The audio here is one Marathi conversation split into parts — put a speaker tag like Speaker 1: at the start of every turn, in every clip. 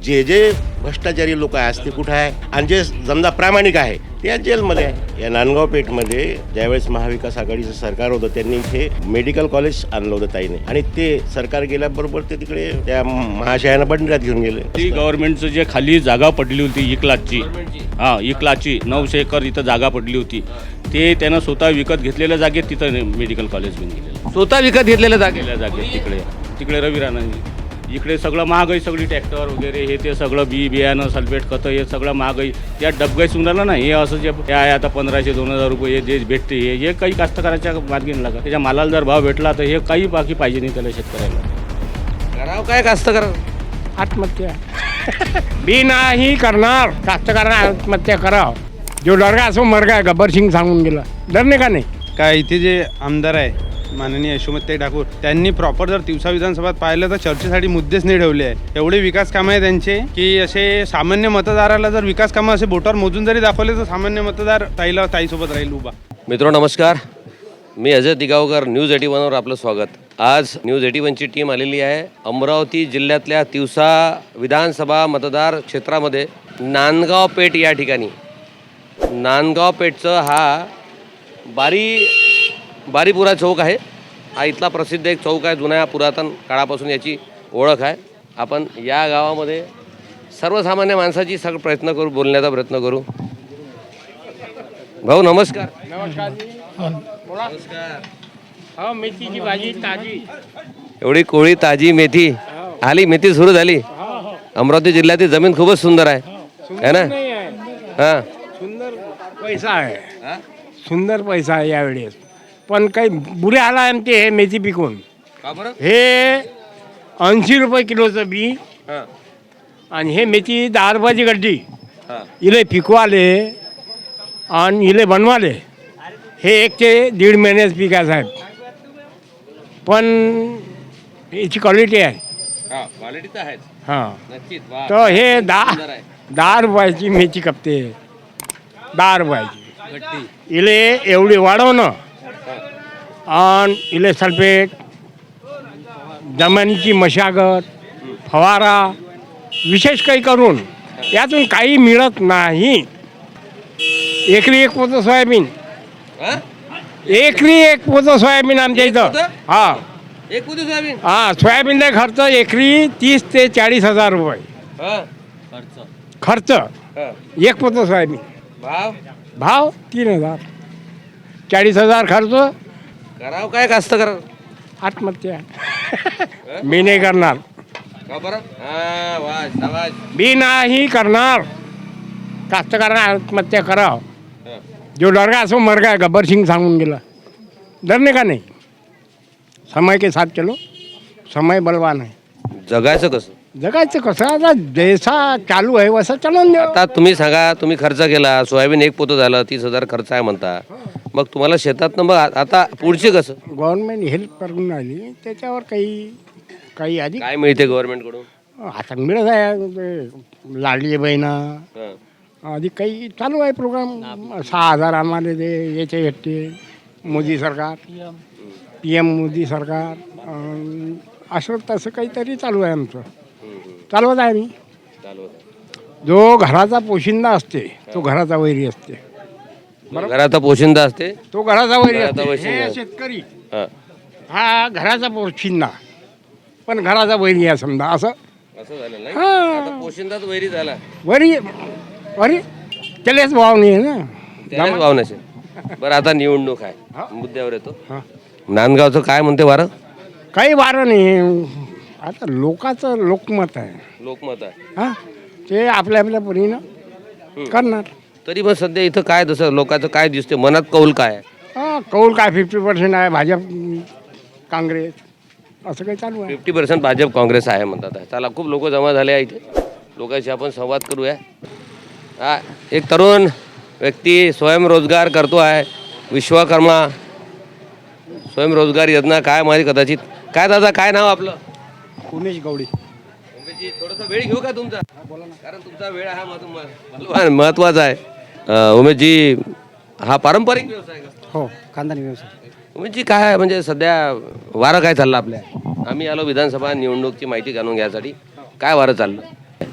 Speaker 1: जे जे भ्रष्टाचारी लोक आहेत ते कुठं आहे आणि जे समजा प्रामाणिक आहे ते आज जेलमध्ये आहे. या नांदगाव पेठमध्ये ज्यावेळेस महाविकास आघाडीचं सरकार होतं त्यांनी इथे मेडिकल कॉलेज आणलं होतं ताईने आणि ते सरकार गेल्याबरोबर ते तिकडे त्या महाशयानं बंडऱ्यात घेऊन गेले.
Speaker 2: ती गव्हर्नमेंटचं जे खाली जागा पडली होती 1,00,000ची, हां 1,00,000ची 900 एकर इथं जागा पडली होती, ते त्यानं स्वतः विकत घेतलेल्या जागेत तिथं मेडिकल कॉलेज घेऊन गेलेलं.
Speaker 3: स्वतः विकत घेतलेल्या जागेला
Speaker 2: जागेत तिकडे रवी राणांनी इकडे सगळं महागाई, सगळी ट्रॅक्टर वगैरे हे ते सगळं बियाणं सल्फेट खतं हे सगळं महागाई या डबगाई सुंदरला ना. हे असं जे आहे आता 1500-2000 रुपये जे भेटते हे काही कास्तकाराच्या मार्गी लागा. त्याच्या मालाला जर भाव भेटला तर हे काही बाकी पाहिजे नाही त्याला शेतकऱ्याला.
Speaker 3: करावं काय कास्तकार
Speaker 4: आत्महत्या बी नाही करणार. कास्तकारांना आत्महत्या करावं. जो डरगा असो मरगा गब्बर सिंग सांगून गेला. डरणे का नाही.
Speaker 5: काय इथे जे आमदार आहे माननीय यशोमती ठाकूर त्यांनी प्रॉपर जर तिवसा विधानसभात पाहिलं तर चर्चेसाठी मुद्देच नाही ठेवले आहे. एवढे विकास कामं आहे त्यांचे की असे सामान्य मतदाराला जर विकास कामं असे बोटावर मोजून जरी दाखवले तर सामान्य मतदार ताईसोबत राहील उभा.
Speaker 3: मित्रांनो नमस्कार, मी अजय दिगावकर, न्यूज 81वर आपलं स्वागत. आज न्यूज 81ची टीम आलेली आहे अमरावती जिल्ह्यातल्या तिवसा विधानसभा मतदार क्षेत्रामध्ये नांदगाव पेठ या ठिकाणी. नांदगाव पेठचं हा बारीपुरा चौक आहे. हा इथला प्रसिद्ध एक चौक आहे. जुन्या पुरातन काळापासून याची ओळख आहे. आपण या गावामध्ये सर्वसामान्य माणसाची प्रयत्न करू, बोलण्याचा प्रयत्न करू. भाऊ नमस्कार.
Speaker 4: हो मेथीची भाजी ताजी.
Speaker 3: एवढी कोळी ताजी मेथी आली, मेथी सुरू झाली. अमरावती जिल्ह्यातील जमीन खूपच सुंदर आहे ना. हां
Speaker 4: सुंदर पैसा आहे. सुंदर पैसा आहे यावेळेस. पण काही बुरे आला आमचे हे मेथी पिकून. हे 80 रुपये किलोचं बी आणि हे मेथी 10 रुपयाची गड्डी. इले पिकवाले आणि इले बनवाले हे 1 ते 1.5 महिन्याच पीक आहे साहेब. पण याची क्वालिटी आहे. हां तर हे 10 रुपयाची मेथी कपते. 10 रुपयाची इले एवढी वाढवणं आणि इले सल्फेट, जमिनीची मशागत, फवारा विशेष काही करून यातून काही मिळत नाही. एकरी 1 पोतं सोयाबीन. एकरी 1 पोतं सोयाबीन आमच्या इथं. हां
Speaker 3: एक पोती सोयाबीन.
Speaker 4: हां सोयाबीनचा खर्च एकरी 30 ते 40 हजार रुपये खर्च. 1 पोतं सोयाबीन. भाव 3,000. 40,000 खर्च.
Speaker 3: करावं काय कास्तकार
Speaker 4: आत्महत्या मी नाही करणार. मी नाही करणार. कास्तकारांना आत्महत्या करावं. जो डरगा असो मरगा गब्बर सिंग सांगून गेला. डरणे का नाही. समय के साथ चलो. समय बलवान आहे.
Speaker 3: जगायचं कसं.
Speaker 4: जगायचं कसं आता जैसा चालू आहे वसा चालून द्या.
Speaker 3: आता तुम्ही सांगा, तुम्ही खर्च केला, सोयाबीन 1 पोतं झालं, 30,000 खर्च आहे म्हणता. मग तुम्हाला शेतातनं मग आता पुढचे कसं.
Speaker 4: गव्हर्नमेंट हेल्प करून राहिली त्याच्यावर काही आधी
Speaker 3: काय मिळते गव्हर्नमेंटकडून.
Speaker 4: आता मिळत आहे लाडली बहिणा आधी काही चालू आहे प्रोग्राम. 6,000 आम्हाला ते याचे भेटते. मोदी सरकार PM मोदी सरकार असं तसं काहीतरी चालू आहे आमचं. चालवत आहे मी. जो घराचा पोशिंदा असते तो घराचा वैरी असते.
Speaker 3: घराचा पोशिंदा असते
Speaker 4: तो घराचा वैरी
Speaker 3: घराचा
Speaker 4: असते.
Speaker 3: पोशिंदा.
Speaker 4: हे शेतकरी
Speaker 3: हां.
Speaker 4: हा घराचा पोशिंदा पण घराचा वैरी आहे समजा असं.
Speaker 3: असं झालं नाही.
Speaker 4: हां.
Speaker 3: आता पोशिंदाच वैरी झाला.
Speaker 4: वरी अरे त्यालाच भाव नाही आहे ना.
Speaker 3: त्यालाच भाव नसेल. बरं आता निवडणूक आहे, मुद्द्यावर येतो.
Speaker 4: हां.
Speaker 3: नांदगावचं काय म्हणते वारं.
Speaker 4: काही वारं नाही. आता लोकांचं लोकमत आहे.
Speaker 3: लोकमत आहे.
Speaker 4: हां ते आपल्या परीनं करणार.
Speaker 3: तरी पण सध्या इथं काय तसं लोकांचं काय दिसते, मनात कौल काय आहे.
Speaker 4: हां कौल काय 50% आहे. भाजप काँग्रेस असं काही चालू आहे.
Speaker 3: 50% भाजप काँग्रेस आहे म्हणतात. चला खूप लोक जमा झाले आहे इथे. लोकांशी आपण संवाद करूया. हा एक तरुण व्यक्ती स्वयंरोजगार करतो आहे. विश्वकर्मा स्वयंरोजगार योजना काय माहिती कदाचित. काय दादा काय नाव आपलं.
Speaker 4: उमेश गवडी.
Speaker 3: उमेशजी थोडासा वेळ घेऊ का तुमचा. बोला ना. कारण तुमचा वेळ हा महत्वाचा आहे. उमेशजी हा पारंपरिक व्यवसाय का.
Speaker 4: हो खानदानी व्यवसाय.
Speaker 3: उमेशजी काय म्हणजे सध्या वारं काय चाललं आपल्या. आम्ही आलो विधानसभा निवडणूकची माहिती जाणून घ्यायसाठी. काय वारं चाललं.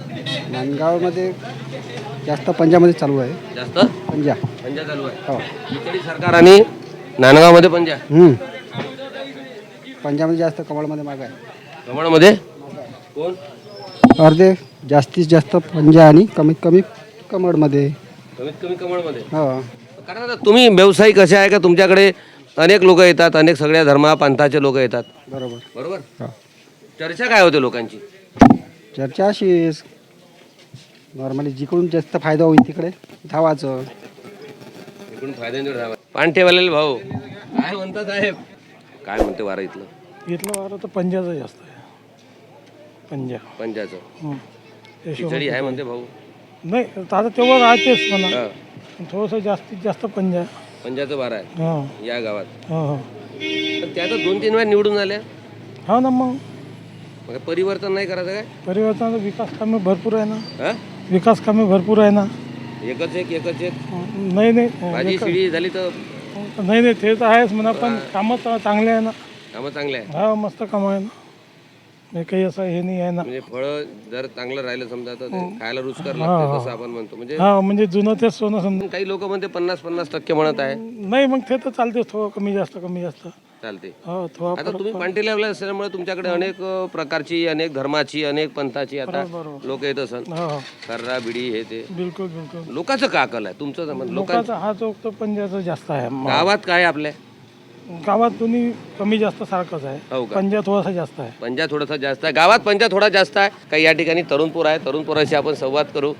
Speaker 6: नांदगावमध्ये जास्त पंजामध्ये चालू आहे.
Speaker 3: जास्त
Speaker 6: पंजा
Speaker 3: पंजा चालू आहे.
Speaker 6: हो.
Speaker 3: खिचडी सरकार आणि नांदगावमध्ये पंजा.
Speaker 6: पंजामध्ये जास्त, कमळमध्ये माग आहे.
Speaker 3: कमळमध्ये कोण?
Speaker 6: अर्धे जास्तीत जास्त पंजा आणि कमीत कमी कमळमध्ये.
Speaker 3: कमीत कमी कमळमध्ये.
Speaker 6: हो.
Speaker 3: कारण आता तुम्ही व्यावसायिक कसे आहे का तुमच्याकडे अनेक लोक येतात, अनेक सगळ्या धर्मा पंथाचे लोक येतात,
Speaker 6: बरोबर.
Speaker 3: बरोबर?
Speaker 6: हो.
Speaker 3: चर्चा काय होते लोकांची?
Speaker 6: चर्चा अशीच नॉर्मली जिकडून जास्त फायदा होईल तिकडे धावाचं.
Speaker 3: इकडून फायद्याने राहावा. पानठेवालेले भाऊ काय म्हणतात साहेब? काय म्हणते वारा इथलं?
Speaker 7: इथलं वारं तर पंजाचं जास्त आहे. पंजा
Speaker 3: पंजाचं खिचडी आहे म्हणते भाऊ.
Speaker 7: नाही आता तेव्हा राहतेच म्हणा,
Speaker 3: हा.
Speaker 7: पण थोडंसं जास्तीत जास्त पंजा.
Speaker 3: पंजाचं वारा आहे
Speaker 7: हां
Speaker 3: या गावात.
Speaker 7: हां हां
Speaker 3: पण त्या तर 2-3 वेळा निवडून आल्या.
Speaker 7: हो ना. मग
Speaker 3: मग परिवर्तन नाही करायचं काय?
Speaker 7: परिवर्तनाचं विकास कामे भरपूर आहे ना.
Speaker 3: हा?
Speaker 7: विकास कामे भरपूर आहे ना.
Speaker 3: एकच एक
Speaker 7: नाही
Speaker 3: भाजी
Speaker 7: नाही
Speaker 3: शिडी झाली तर
Speaker 7: नाही ते तर आहेच म्हणा, पण कामं चांगले आहे ना.
Speaker 3: कामं चांगले आहे.
Speaker 7: हा मस्त कामं आहे ना. म्हणजे काही असं हे नाही आहे ना.
Speaker 3: म्हणजे फळं जर चांगलं राहिलं समजा तर ते खायला रुचकर लागतं तसं आपण म्हणतो. म्हणजे
Speaker 7: हा म्हणजे जुनं तेच सोनं समजा.
Speaker 3: काही लोक म्हणते 50% म्हणत आहे.
Speaker 7: नाही मग ते तर चालते, थोडं कमी जास्त
Speaker 3: चालते.
Speaker 7: हो थोडा.
Speaker 3: आता तुम्ही पांटेला असल्यामुळे तुमच्याकडे अनेक प्रकारची, अनेक धर्माची, अनेक पंथाची आता
Speaker 7: बरोबर.
Speaker 3: लोक येत असन.
Speaker 7: हो
Speaker 3: कर्रा बिडी हे ते
Speaker 7: बिलकुल.
Speaker 3: लोकांचं का अकल आहे तुमचं? लोकांचं
Speaker 7: लोकांचा हा चौक तर पंजाचा जास्त आहे.
Speaker 3: गावात काय आपल्या
Speaker 7: गावात दोन्ही कमी जास्त सारखंच
Speaker 3: हो
Speaker 7: आहे.
Speaker 3: का?
Speaker 7: पंजा थोडासा जास्त आहे.
Speaker 3: पंजा थोडासा जास्त आहे. गावात पंजा थोडा जास्त आहे. काही या ठिकाणी तरुण पोर आहे. तरुण पोराशी आपण संवाद करू.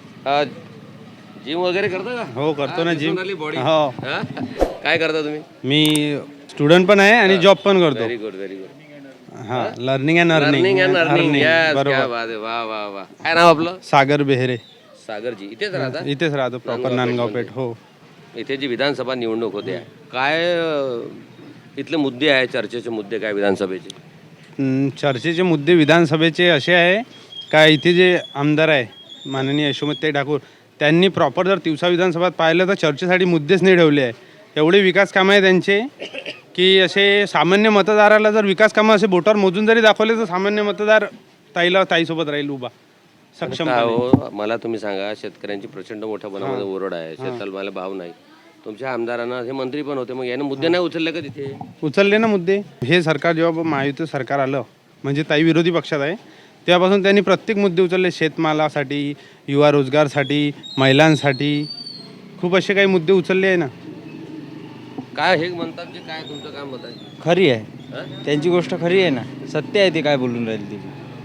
Speaker 3: जिम वगैरे करता का?
Speaker 5: हो करतो ना जिम.
Speaker 3: बॉडी.
Speaker 5: हो.
Speaker 3: काय करता तुम्ही?
Speaker 5: मी स्टुडंट पण आहे आणि जॉब पण करतो.
Speaker 3: Very good.
Speaker 5: हा, learning and
Speaker 3: learning and earning.
Speaker 5: बरोबर.
Speaker 3: क्या बात आहे. वा वा वा. काय नाव आपलं?
Speaker 5: सागर बेहरे.
Speaker 3: सागरजी इथेच राहता?
Speaker 5: इथेच राहतो प्रॉपर नांदगाव पेठ. हो.
Speaker 3: इथे जी विधानसभा निवडणूक होते काय इथले मुद्दे आहे, चर्चेचे मुद्दे काय विधानसभेचे?
Speaker 5: चर्चेचे मुद्दे विधानसभेचे असे आहे का इथे जे आमदार आहे माननीय यशोमतीताई ठाकूर, त्यांनी प्रॉपर जर तिवसा विधानसभात पाहिलं तर चर्चेसाठी मुद्देच नाही ठेवले आहे. एवढे विकास कामं आहे त्यांचे की असे सामान्य मतदाराला जर विकास कामं असे बोटावर मोजून जरी दाखवले तर सामान्य मतदार ताईसोबत राहील उभा सक्षम.
Speaker 3: काय हो, मला तुम्ही सांगा, शेतकऱ्यांची प्रचंड मोठ्या प्रमाणामध्ये ओरड आहे, शेतमालाला भाव नाही. तुमच्या आमदारांना हे मंत्री पण होते, मग याने मुद्दे नाही उचलले का तिथे?
Speaker 5: उचलले ना मुद्दे. हे सरकार जेव्हा महायुती सरकार आलं, म्हणजे ताई विरोधी पक्षात आहे, तेव्हापासून त्यांनी प्रत्येक मुद्दे उचलले. शेतमालासाठी, युवा रोजगारसाठी, महिलांसाठी खूप असे काही मुद्दे उचलले आहे ना.
Speaker 3: काय हे म्हणतात जे काय तुमचं काय मत आहे?
Speaker 8: खरी आहे, त्यांची गोष्ट खरी आहे ना, सत्य आहे. ते काय बोलून राहील ती.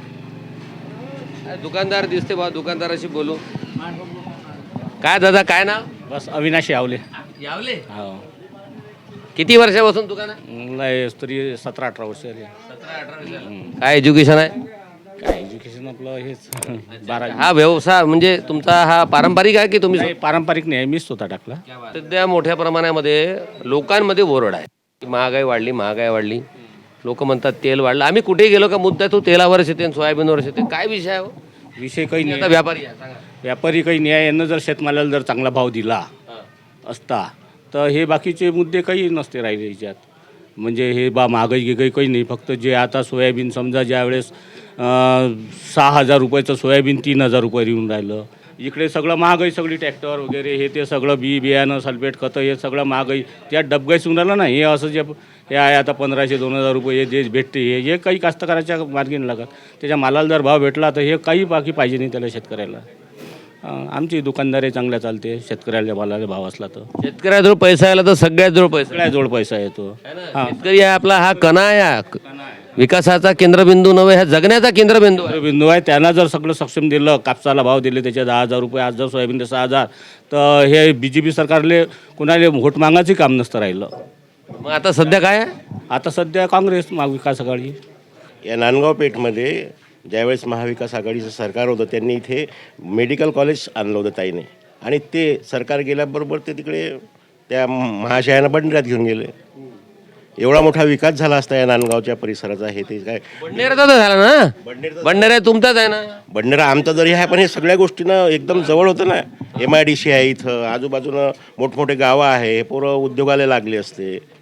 Speaker 3: दुकानदार दिसते बा, दुकानदाराशी बोलू. काय दादा, काय नाव?
Speaker 2: बस अविनाश यावले.
Speaker 3: यावले.
Speaker 2: हो
Speaker 3: किती वर्षापासून दुकान आहे?
Speaker 2: लय तरी 17-18 वर्ष झाली.
Speaker 3: 17-18. काय एज्युकेशन आहे?
Speaker 2: काय एज्युकेशन आपलं हेच 12.
Speaker 3: हा व्यवसाय म्हणजे तुमचा हा पारंपरिक आहे की तुम्ही?
Speaker 2: नाही पारंपरिक नाही, मीच स्वतः टाकला.
Speaker 3: सध्या मोठ्या प्रमाणामध्ये लोकांमध्ये ओरड आहे, महागाई वाढली. लोक म्हणतात तेल वाढलं. आम्ही कुठे गेलो का मुद्दा तो तेलावरच येते, सोयाबीनवरच येते. काय विषय आहे हो?
Speaker 2: विषय काही
Speaker 3: आता
Speaker 2: नाही.
Speaker 3: व्यापारी आहे, सांगा.
Speaker 2: व्यापारी काही नाही. यांना जर शेतमालाला जर चांगला भाव दिला असता तर हे बाकीचे मुद्दे काही नसते राहिले याच्यात. म्हणजे हे महागाई काही नाही. फक्त जे आता सोयाबीन समजा ज्यावेळेस 6,000 रुपयाचं सोयाबीन 3,000 रुपये येऊन राहिलं. इकडे सगळं महागाई, सगळी ट्रॅक्टर वगैरे हे ते सगळं बियाणं सल्फेट खतं हे सगळं महागाई त्यात डबगाई येऊन राहिलं ना. हे असं जे हे आहे आता 1,500-2,000 रुपये जे भेटते हे काही कास्तकाराच्या मार्गी नाही लागत. त्याच्या मालाला जर भाव भेटला तर हे काही बाकी पाहिजे नाही त्याला शेतकऱ्याला. आमची दुकानदारी चांगल्या चालते. शेतकऱ्याला मालाला भाव असला तर
Speaker 3: शेतकऱ्याजवळ पैसा आला तर सगळ्याजवळ पैसा.
Speaker 2: सगळ्याजवळ पैसा येतो.
Speaker 3: शेतकरी आहे आपला, हा कणा आहे, विकासाचा केंद्रबिंदू नव्हे, हा जगण्याचा केंद्रबिंदू आहे.
Speaker 2: बिंदू आहे. त्यांना जर सगळं सक्षम दिलं, कापसाला भाव दिले त्याचे 10,000 रुपये, आज जर सोयाबीनचे 6,000, तर हे BJP सरकारले कोणाला व्होट मागायचं काम नसतं राहिलं.
Speaker 3: मग आता सध्या काय आहे?
Speaker 2: आता सध्या काँग्रेस महाविकास आघाडी.
Speaker 1: या नांदगाव पेठमध्ये ज्यावेळेस महाविकास आघाडीचं सरकार होतं त्यांनी इथे मेडिकल कॉलेज आणलं होतं ताईने, आणि ते सरकार गेल्याबरोबर ते तिकडे त्या महाशयानं बंडऱ्यात घेऊन गेले. एवढा मोठा विकास झाला असता या नांदगावच्या परिसराचा. हे ते काय
Speaker 3: बंडनेराचा तर झाला ना. बंडनेरा तुमचाच आहे ना.
Speaker 1: बंडरा आमचा जरी आहे, पण हे सगळ्या गोष्टीनं एकदम जवळ होतं ना. MIDC आहे इथं, आजूबाजूनं मोठमोठे गावं आहे, हे पोरं उद्योगाला लागले असते.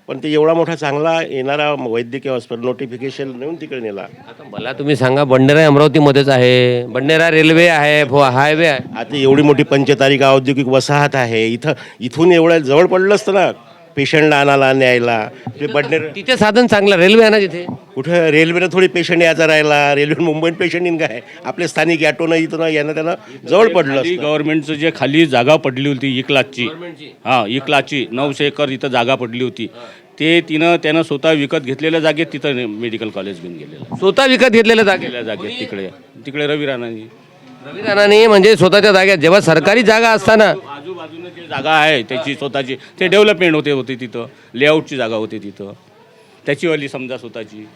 Speaker 1: पण ते एवढा मोठा चांगला येणारा वैद्यकीय हॉस्पिटल नोटिफिकेशन नेऊन तिकडे नेला.
Speaker 3: आता मला तुम्ही सांगा, बंडेरा अमरावतीमध्येच आहे, बंडेरा रेल्वे आहे, हायवे आहे.
Speaker 1: आता एवढी मोठी पंचतारिका औद्योगिक वसाहत आहे, इथून एवढ्या जवळ पडलं असतं ना पेशंटला आणायला न्यायला. ते बडनेर
Speaker 3: तिथे साधन चांगलं रेल्वे आहे ना तिथे.
Speaker 1: कुठं रेल्वेनं थोडी पेशंट यायचा राहिला, रेल्वे मुंबईत पेशंट येईन काय, आपले स्थानिक ॲटोनं इथं यानं त्यांना जवळ पडलं
Speaker 2: खाली
Speaker 1: असतं.
Speaker 2: गव्हर्नमेंटचं जे खाली जागा पडली होती इकलाची, हां इकलाची 900 एकर इथं जागा पडली होती, ते त्यानं स्वतः विकत घेतलेल्या जागेत तिथं मेडिकल कॉलेज घेऊन गेलेलं.
Speaker 3: स्वतः विकत घेतलेल्या जागेत
Speaker 2: जागेत तिकडे रवी राणांनी.
Speaker 3: रवी राणांनी म्हणजे स्वतःच्या जागेत, जेव्हा सरकारी जागा असताना
Speaker 2: आजूबाजूने जे जागा आहे त्याची स्वतःची, ते डेव्हलपमेंट होते तिथं, लेआउटची जागा होती तिथं, त्याचीवाली समजा स्वतःची.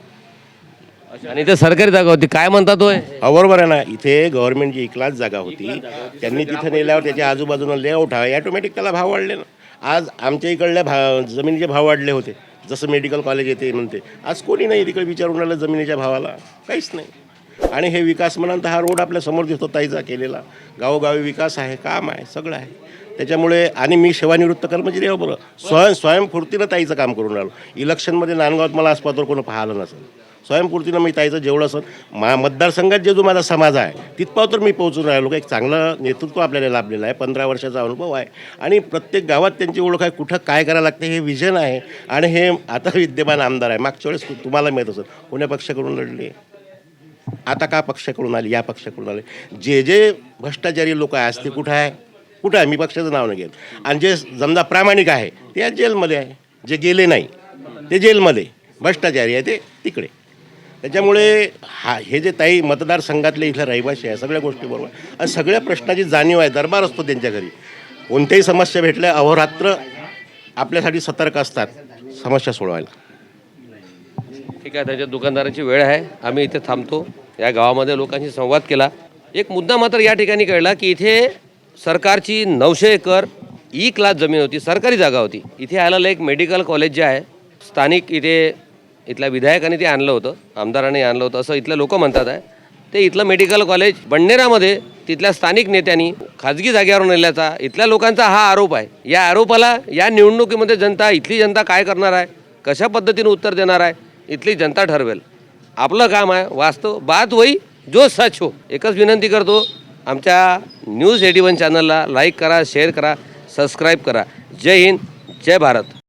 Speaker 3: आणि ते सरकारी जागा होती. काय म्हणतात होय?
Speaker 1: बरोबर आहे ना. इथे गव्हर्नमेंटची इकलाच जागा होती, त्यांनी तिथं नेल्यावर त्याच्या आजूबाजूला लेआउट आहे, ॲटोमॅटिक त्याला भाव वाढले ना. आज आमच्या इकडल्या जमिनीचे भाव वाढले होते, जसं मेडिकल कॉलेज येते म्हणते. आज कोणी नाही तिकडे विचारून राहिलं जमिनीच्या भावाला, काहीच नाही. आणि हे विकास म्हणाल तर हा रोड आपल्या समोर दिसतो ताईचा केलेला, गावोगावी विकास आहे, काम आहे, सगळं आहे. त्याच्यामुळे आणि मी सेवानिवृत्त कर्मचारी आहे बरं, स्वयंफूर्तीनं ताईचं काम करून राहिलो. इलेक्शनमध्ये नांदगावात मला आसपासवर कोणी पाहिलं नसेल, स्वयंपूर्तीनं मी ताईचं जेवढं असं मतदारसंघात जो माझा समाज आहे तिथपाव तर मी पोहोचून राहिलो. एक चांगलं नेतृत्व आपल्याला लाभलेलं आहे, 15 वर्षाचा अनुभव आहे आणि प्रत्येक गावात त्यांची ओळख आहे, कुठं काय करायला लागते हे विजन आहे. आणि हे आता विद्यमान आमदार आहे, मागच्या वेळेस तुम्हाला माहीत असेल कोण्या पक्षाकडून लढले, आता का पक्षाकडून आले, या पक्षाकडून आले. जे भ्रष्टाचारी लोक आहे ते कुठं आहे, मी पक्षाचं नाव नाही घेत. आणि जे समजा प्रामाणिक आहे ते आज जेलमध्ये आहे, जे गेले नाही ते जेलमध्ये, भ्रष्टाचारी आहे ते तिकडे. त्याच्यामुळे हे जे ताई मतदारसंघातले इथले रहिवासी आहे सगळ्या गोष्टी बरोबर आणि सगळ्या प्रश्नाची जाणीव आहे. दरबार असतो त्यांच्या घरी, कोणत्याही समस्या भेटल्या अहोरात्र आपल्यासाठी सतर्क असतात समस्या सोडवायला.
Speaker 3: ठीक आहे, त्याच्या दुकानदाराची वेळ आहे, आम्ही इथे थांबतो. या गावामध्ये लोकांशी संवाद केला. एक मुद्दा मात्र या ठिकाणी कळला की इथे सरकारची 900 एकर ई क्लास जमीन होती, सरकारी जागा होती. इथे आलेलं एक मेडिकल कॉलेज जे आहे, स्थानिक इथल्या विधायकाने ते आणलं होतं, आमदाराने आणलं होतं असं इथले लोक म्हणतात आहे. ते इथलं मेडिकल कॉलेज बंडेरामध्ये तिथल्या स्थानिक नेत्यांनी खाजगी जागेवर नेल्याचा इथल्या लोकांचा हा आरोप आहे. या आरोपाला या निवडणुकीमध्ये इथली जनता काय करणार आहे, कशा पद्धतीने उत्तर देणार आहे, इथली जनता ठरवेल. आपलं काम आहे वास्तव बात वही जो सच हो. एकच विनंती करतो, आमच्या न्यूज 81 चॅनलला लाईक करा, शेअर करा, सबस्क्राईब करा. जय हिंद, जय भारत.